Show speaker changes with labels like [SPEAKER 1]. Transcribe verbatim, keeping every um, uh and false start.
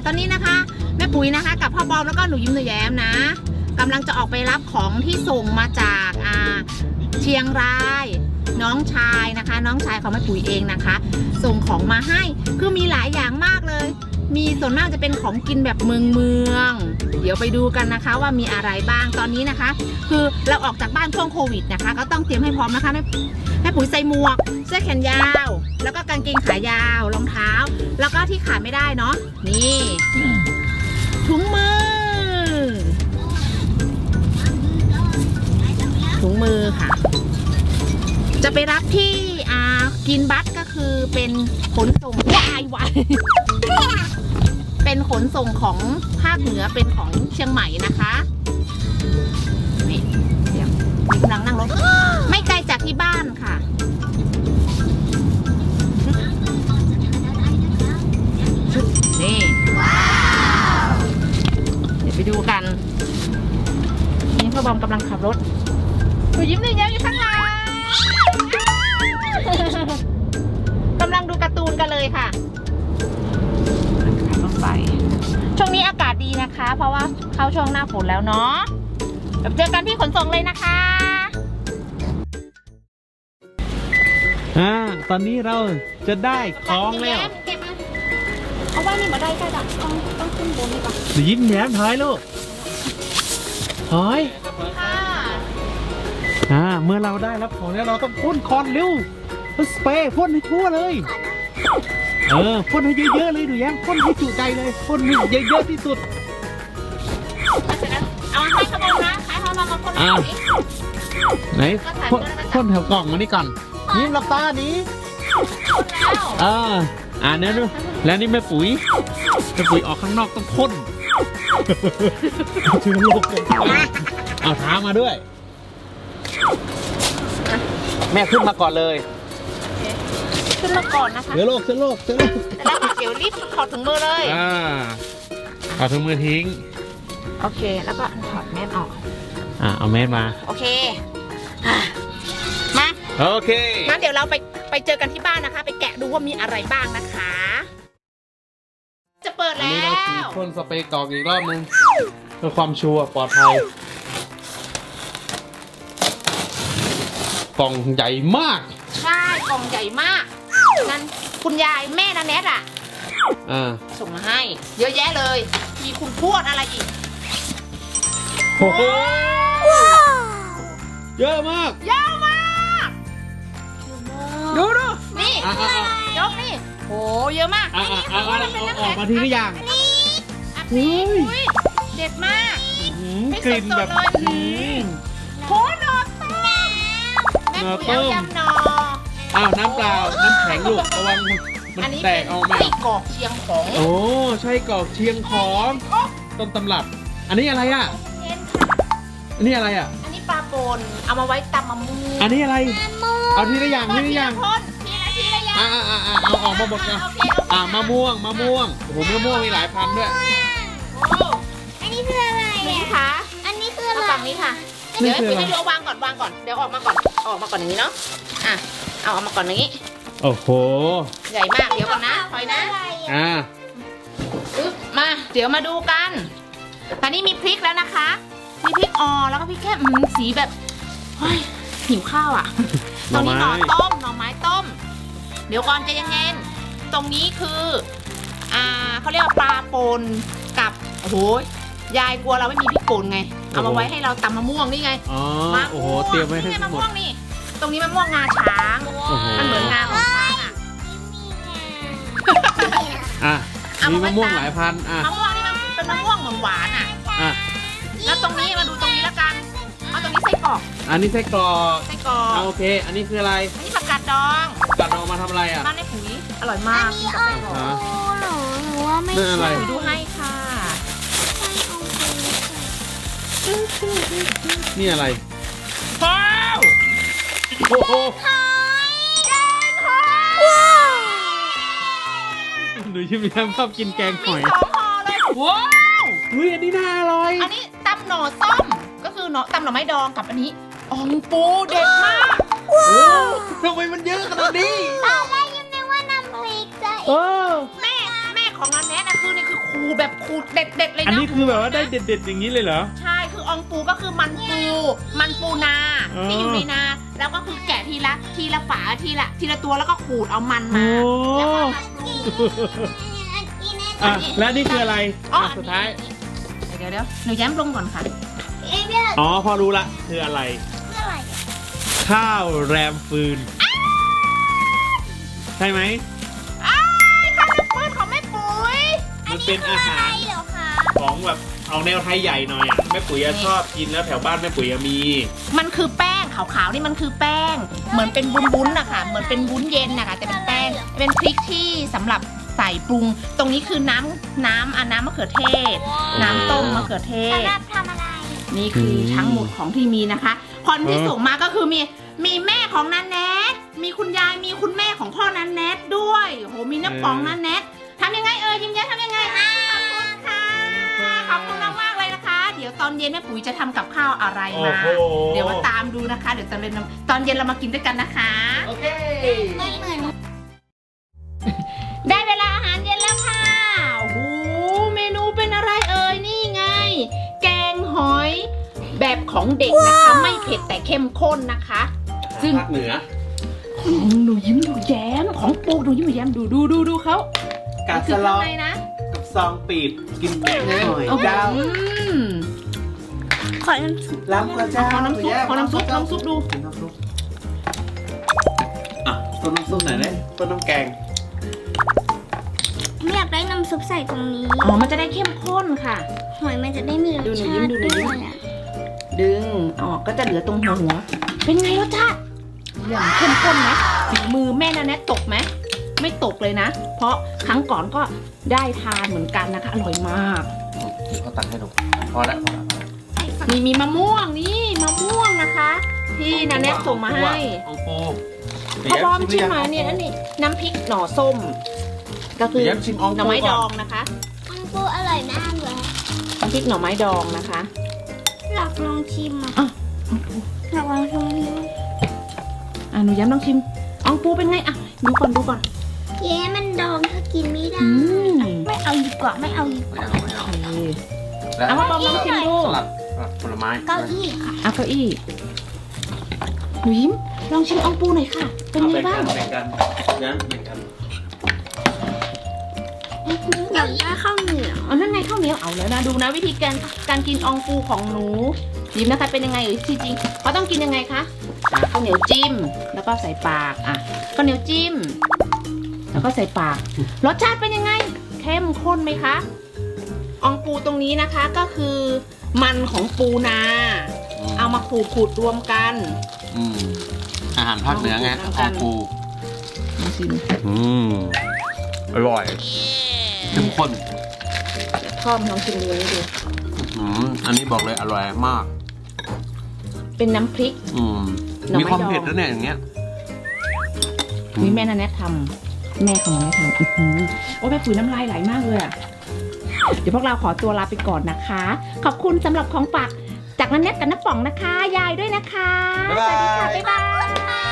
[SPEAKER 1] ตอนนี้นะคะแม่ปุ๋ยนะคะกับพ่อบอมแล้วก็หนูยิ้มหนูแย้มนะกำลังจะออกไปรับของที่ส่งมาจากอ่าเชียงรายน้องชายนะคะน้องชายของแม่ปุ๋ยเองนะคะส่งของมาให้คือมีหลายอย่างมากเลยมีส่วนมากจะเป็นของกินแบบเมืองเมืองเดี๋ยวไปดูกันนะคะว่ามีอะไรบ้างตอนนี้นะคะคือเราออกจากบ้านช่วงโควิดนะคะก็ต้องเตรียมให้พร้อมนะคะแม่แม่ปุ๋ยใส่หมวกเสื้อแขนยาวแล้วก็กางเกงขายาวรองเท้าแล้วก็ที่ขาดไม่ได้เนาะนี่ถุงมือถุงมือค่ะจะไปรับที่อ่ากินบัสก็คือเป็นขนส่งวายวายเป็นขนส่งของภาคเหนือเป็นของเชียงใหม่นะคะนี่เดี๋ยวมีกำลังนั่งรถไม่ไกลจากที่บ้านค่ะนี่เดี๋ยวไปดูกันนี่พ่อบอมกำลังขับรถหนูยิ้มหนูแย้มอยู่ข้างหลังกำลังดูการ์ตูนกันเลยค่ะขับรถไปช่วงนี้อากาศดีนะคะ เพราะว่าเข้าช่วงหน้าฝนแล้วเนาะเดี๋ยวเจอกันที่ขนส่งเลยนะคะ
[SPEAKER 2] อ่าตอนนี้เราจะได้ของแล้ว
[SPEAKER 1] เอาไว้นี่มาได้ก็ได้ต้องต้องขึ้นบนนี่ก่อน
[SPEAKER 2] หนูยิ้มแย้มถอยลูกถอย
[SPEAKER 1] ค่ะ
[SPEAKER 2] อ่าเมื่อเราได้รับของแล้วเราต้องพ่นคอนเร็วสเปรย์พ่นให้ทั่วเลยเออพ่นให้เยอะๆเลยหนูแย้มพ่นให้จุใจเลยพ่นให้เยอะๆที่สุด
[SPEAKER 1] เอาให้ขบวนนะใครเขามามาพ่น
[SPEAKER 2] อ่าไหนพ่นแถวกล่องมานี่ก่อนยิ้มหลับตานี้อ่าอ่าเนี่ยดูแล้วนี่แม่ปุ๋ยแม่ปุ๋ยออกข้างนอกต้องพ่นเชื้อโรคเอาเท้ามาด้วยแม่ขึ้นมาก่อนเลย
[SPEAKER 1] ขึ้นมาก่อนนะคะ
[SPEAKER 2] เชื้อโรคเชื้อโรคเชื้อโรค
[SPEAKER 1] แล้วเดี๋ยวรีบถอดถุงมือเลย
[SPEAKER 2] อ่าถอดถุงมือทิ้ง
[SPEAKER 1] โอเคแล้วก็ถอดแมสออก
[SPEAKER 2] อ่าเอาแมสมา
[SPEAKER 1] โอเคมา
[SPEAKER 2] โอเค
[SPEAKER 1] งั้นเดี๋ยวเราไปไปเจอกันที่บ้านนะคะไปแกะดูว่ามีอะไรบ้างนะคะจะเปิดแล้ว
[SPEAKER 2] เราฉีดพ่นสเปรย์กรอกอีกรอบนึงเพื่อความชัวร์ปลอดภัยกล่องใหญ่มาก
[SPEAKER 1] ใช่กล่องใหญ่มากนั่นคุณยายแม่นาแนทอ่ะ
[SPEAKER 2] อ่า
[SPEAKER 1] ส่งมาให้เยอะแยะเลยมีคุณทวดอะไรอีก
[SPEAKER 2] โอ้โหเยอะมาก
[SPEAKER 1] เยอะมากดูดูนี่ยกนี่โอ้เยอะมาก
[SPEAKER 2] อ่าอ่าเอาออกมาทีละอย่าง
[SPEAKER 1] นี่เด็ดมาก
[SPEAKER 2] กลิ่นแบบ
[SPEAKER 1] โหนอต้มแม่ปุ๋ยเอายำนอ
[SPEAKER 2] อ้าวน้ำเปล่าน้ำแข็งลูกระวังมันแตกออกมา
[SPEAKER 1] ไส้กรอกเชียงของ
[SPEAKER 2] โอ้ใช่กรอกเชียงของต้นตำรับอันนี้อะไรอ่ะอันนี้อะไรอ่ะ
[SPEAKER 1] อันนี้ปลาปนเอามาไว้ตำมะม่วง
[SPEAKER 2] อันนี้อะไรเอาทีละอย่างทีละอย่าง
[SPEAKER 1] ทีละอย่าง
[SPEAKER 2] อ่าอ่าอ่าเอาออกมาหมดนะอ่ามะม่วงมะม่วงโอ้โหมะม่วงมีหลายพันด้วย
[SPEAKER 3] อันนี้คืออะไร
[SPEAKER 1] นี่ค่ะ
[SPEAKER 3] อันนี้คืออะไร
[SPEAKER 1] ฝั่งนี้ค่ะเดี๋ยวให้พี่วางก่อนวางก่อนเดี๋ยวออกมาก่อนออกมาก่อนอย่างนี้เนาะอ่ะเอาออกมาก่อนอย่างนี้
[SPEAKER 2] โอ้โห
[SPEAKER 1] ใหญ่มากเดี๋ยวก่อนนะถอยนะ
[SPEAKER 2] อ่า
[SPEAKER 1] อึ๊บมาเดี๋ยวมาดูกันตอนนี้มีพริกแล้วนะคะมีพริกอ่อนแล้วก็พริกแค่อืมสีแบบเฮ้ยหิวข้าวอ่ะตรงนี้หน่อต้มหน่อไม้ต้มเดี๋ยวก่อนใจเย็นๆตรงนี้คืออ่าเขาเรียกว่าปลาปนกับโอ้โหยายกลัวเราไม่มีพริกป่นไงเอามาไว้ให้เราตำมะม่วงนี่ไง
[SPEAKER 2] อ๋อโอ้โหเตรียมไว้ให้
[SPEAKER 1] มะม่วงนี่ตรงนี้มะม่วงงาช้างมันเหมือนงาของช้างอ่ะ
[SPEAKER 2] อ่ะมีมะม่วงหลายพันอ่ะ
[SPEAKER 1] มะม่วงนี่มันเป็นมะม่วงหวานอ่ะ
[SPEAKER 2] อ่ะ
[SPEAKER 1] แล้วตรงนี้มาดูตรงนี้แล้วกันเอาตรงนี้ไส้กรอก
[SPEAKER 2] อันนี้ไส้กรอก
[SPEAKER 1] ไส้กรอก
[SPEAKER 2] โอเคอันนี้คืออะไร
[SPEAKER 1] อันนี้ผักกาดดอง
[SPEAKER 2] ผักกาดดองมาทำอะไรอ่ะ
[SPEAKER 1] บ้านในปุ๋ยอร่อยมาก
[SPEAKER 3] อันนี้อ่อนหนูหนูว่าไม่
[SPEAKER 2] ใช่
[SPEAKER 1] ดูให้ค่ะ
[SPEAKER 2] นี่อะไร
[SPEAKER 1] ว้าว
[SPEAKER 2] โอ้โหหนูชิมแย้มชอบกินแกงหอย
[SPEAKER 1] สองห่อเลยว้าว
[SPEAKER 2] เฮ้ยอันนี้น่าอร่อย
[SPEAKER 1] อันนี้ตำหน่อส้มก็คือหน่อตำหน่อไม้ดองกับอันนี้อ่องปูเด็ดมาก
[SPEAKER 2] ว้าวทำไมมันเยอะขนาดนี้
[SPEAKER 3] ตอนแรกยังนึกว่าน้ำพริกจะ
[SPEAKER 2] เออ
[SPEAKER 1] แม่แม่ของนันแนทนะคือนี่คือโคขูดแบบขูดเด็ดๆเลยนะ
[SPEAKER 2] อันนี้คือแบบว่าได้เด็ดๆอย่างนี้เลยเหรอ
[SPEAKER 1] ใช่คืออองปูก็คือมันปูมันปูนา
[SPEAKER 2] อ๋อ
[SPEAKER 1] ที่อยู่ในนาแล้วก็คือแกะทีละทีละฝาทีละทีละตัวแล้วก็ขูดเอามันมา
[SPEAKER 2] โอ้
[SPEAKER 1] แล้วก็มาปรุง
[SPEAKER 2] อ่ะและนี่คืออะไร
[SPEAKER 1] อ๋อ
[SPEAKER 2] อ่ะสุดท้าย
[SPEAKER 1] เดี๋ยวเดี๋ยวหนูแย้มลงก่อนค่ะ
[SPEAKER 3] เอ๊ะเนี่ย
[SPEAKER 2] อ๋อพอรู้ละคืออะไร
[SPEAKER 3] เพื่ออะไรอ่ะ
[SPEAKER 2] ข้าวแรมฟืน ใช่ไหม
[SPEAKER 1] อ้ายข้าวน้ำปืนของแม่ปุ๋ย
[SPEAKER 2] มันเป็นอาหาร
[SPEAKER 3] เหรอคะ
[SPEAKER 2] ของแบบเอาแนวไทยใหญ่หน่อยอ่ะแม่ปุ๋ยอะชอบกินแล้วแถวบ้านแม่ปุ๋ยอะมี
[SPEAKER 1] มันคือแป้งขาวๆนี่มันคือแป้ง เหมือนเป็นวุ้นๆนะคะเหมือนเป็นวุ้นเย็นนะคะแต่เป็นแป้งเป็นพริกที่สำหรับใส่ปรุง ตรงนี้คือน้ำน้ำอ่ะน้ำมะเขือเทศ น้ำต้มมะเขือเทศ
[SPEAKER 3] สำหรับทำอะไร
[SPEAKER 1] นี่คืออ
[SPEAKER 2] ม
[SPEAKER 1] ทั้งหมดของที่มีนะคะ คนที่
[SPEAKER 2] เออ
[SPEAKER 1] ส่งมาก็คือมีมีแม่ของนันแนทมีคุณยายมีคุณแม่ของพ่อนันแนทด้วยโอ้โหมีน้ำป๋องนันแนททำยังไงเอ่ยยิ้มแย้มทำยังไงอ่ะขอบคุณค่ะขอบคุณมากๆเลยนะคะ เดี๋ยวตอนเย็นแม่ปุ๋ยจะทำกับข้าวอะไร
[SPEAKER 2] โอ้
[SPEAKER 1] มา
[SPEAKER 2] โห
[SPEAKER 1] เดี๋ยวมาตามดูนะคะ เดี๋ยวตอนเย็นเราตอนเย็นเรามากินด้วยกันนะคะ
[SPEAKER 2] โอเค
[SPEAKER 3] ไม่เหมือน
[SPEAKER 1] ได้เวลาอาหารเย็นแล้วค่ะโอ้โหเมนูเป็นอะไรเอ่ยนี่ไง แกงหอยแบบของเด็กนะคะ ไม่เผ็ดแต่เข้มข้นนะคะ ซึ่ง
[SPEAKER 2] ภาคเหนือ
[SPEAKER 1] ของหนูยิ้มหนูแย้มของปูหนูยิ้มหนูแย้มดูดูดูดูเขา
[SPEAKER 2] กา
[SPEAKER 1] คื
[SPEAKER 2] ส
[SPEAKER 1] อ
[SPEAKER 2] ล
[SPEAKER 1] ข้า
[SPEAKER 2] อง ง
[SPEAKER 1] ในนะ
[SPEAKER 2] กับซองปีบกินแกงหน่อย
[SPEAKER 1] เอา
[SPEAKER 2] เจ้า
[SPEAKER 1] อืม
[SPEAKER 3] ขอน้ำซุป
[SPEAKER 2] ล้ำกระเจ้า
[SPEAKER 1] ขอน้ำซุปขอน้ำซุปน้ำซุปดู
[SPEAKER 2] น้ำซุปอ่ะต้นน้ำซุปไหนเนี่ยต้นน้ำแกง
[SPEAKER 3] ไม่อยากได้น้ำซุปใส่ตรงนี้
[SPEAKER 1] อ๋อมันจะได้เข้มข้นค่ะ
[SPEAKER 3] หอยมันจะได้มีรส
[SPEAKER 1] ดูหนู
[SPEAKER 3] ชา
[SPEAKER 1] ยิ้ม
[SPEAKER 3] ติ
[SPEAKER 1] ดูหนู
[SPEAKER 3] ด้
[SPEAKER 1] ยิ้
[SPEAKER 3] ว
[SPEAKER 1] ม
[SPEAKER 3] ยอ่ะ
[SPEAKER 1] ดึงออกก็จะเหลือตรงหัวหัว เป็นไงรสชาติอย่างเข้มข้นไหมฝีมือแม่นาแนทตกไหมไม่ตกเลยนะ เพราะครั้งก่อนก็ได้ทานเหมือนกันนะคะ อร่อยมาก
[SPEAKER 2] เขาตักให้ดูพอแล้วพอแล้ว
[SPEAKER 1] มีมีมะม่วงนี่มะม่วงนะคะ ที่นาแนทส่งมาให้
[SPEAKER 2] องปู
[SPEAKER 1] พ่อบอมชิมมาเนี่ยอันนี้น้ำพริกหน่อส้ม ก็คือ
[SPEAKER 2] เดี๋ยวชิมออง
[SPEAKER 1] หน่อ
[SPEAKER 2] ปู
[SPEAKER 1] ไม้ด
[SPEAKER 2] ก่
[SPEAKER 1] อ
[SPEAKER 2] อง น
[SPEAKER 1] นะคะ
[SPEAKER 3] อังปูอร่อยมากเลย
[SPEAKER 1] น้ำพริกหน่อไม้ดองนะคะ
[SPEAKER 3] อยากลองชิมอ่ะ
[SPEAKER 1] อ่ะ
[SPEAKER 3] อยากลองชิมนี้
[SPEAKER 1] อ่ะหนูย้ำลองชิมอองปูเป็นไงอ่ะดูก่อนดูก่อน
[SPEAKER 3] เย้มันดองถ้ากินไม่ได้
[SPEAKER 1] อืม
[SPEAKER 3] ไม่เอาดีกว่าไม่เอาดีก
[SPEAKER 2] ไม่
[SPEAKER 3] ว่า
[SPEAKER 2] เอาไม่เอา
[SPEAKER 1] โอเค
[SPEAKER 2] แล้ว
[SPEAKER 1] เอาพ่อบอมลองชิมดู
[SPEAKER 2] สลัดสลัดผลไม้
[SPEAKER 3] เก้าอี้ค่ะ
[SPEAKER 1] เอาเก้าอี้หนูยิ้มลองชิมอองปูหน่อยค่ะ เป็นไงบ้าง
[SPEAKER 2] แบ่งกันแบ่งกันแบ่งกัน
[SPEAKER 3] อยากได้ข้าวเหนียว
[SPEAKER 1] เอานั่นไงข้าวเหนียวเอาแล้วนะดูนะวิธีการการกินอองปูของหนูยิ้มนะคะเป็นยังไงหรือจริงๆเขาต้องกินยังไงคะอ่ะข้าวเหนียวจิ้มแล้วก็ใส่ปากอ่ะข้าวเหนียวจิ้ม แล้วก็ใส่ปากรสชาติเป็นยังไงเข้มข้นไหมคะอองปูตรงนี้นะคะก็คือมันของปูนา เอามาขูดขูดรวมกัน
[SPEAKER 2] อืมอาหารภาคเหนือไง
[SPEAKER 1] เอา
[SPEAKER 2] อ
[SPEAKER 1] กั
[SPEAKER 2] อน งปู
[SPEAKER 1] มาชิม
[SPEAKER 2] อืมอร่อยเข้มข้น
[SPEAKER 1] พ่อมลองชิมดูนี่ดู
[SPEAKER 2] อืมอันนี้บอกเลยอร่อยมาก
[SPEAKER 1] เป็นน้ำพริก
[SPEAKER 2] อืม
[SPEAKER 1] หน่อไม้
[SPEAKER 2] มีความ
[SPEAKER 1] ดอง
[SPEAKER 2] เผ็ดแล้วเนี่ยอย่างเงี้ย
[SPEAKER 1] นี่แม่นาแนททำแม่ของแม่ทำอื้อหือโอ้แม่ปุ๋ยน้ำลายไหลมากเลยอ่ะเดี๋ยวพวกเราขอตัวลาไปก่อนนะคะ ขอบคุณสำหรับของฝากจากนันแนทกับน้าป๋องนะคะ ยายด้วยนะคะ
[SPEAKER 2] บ๊ายบาย
[SPEAKER 1] สวัสดีค่ะบ๊ายบาย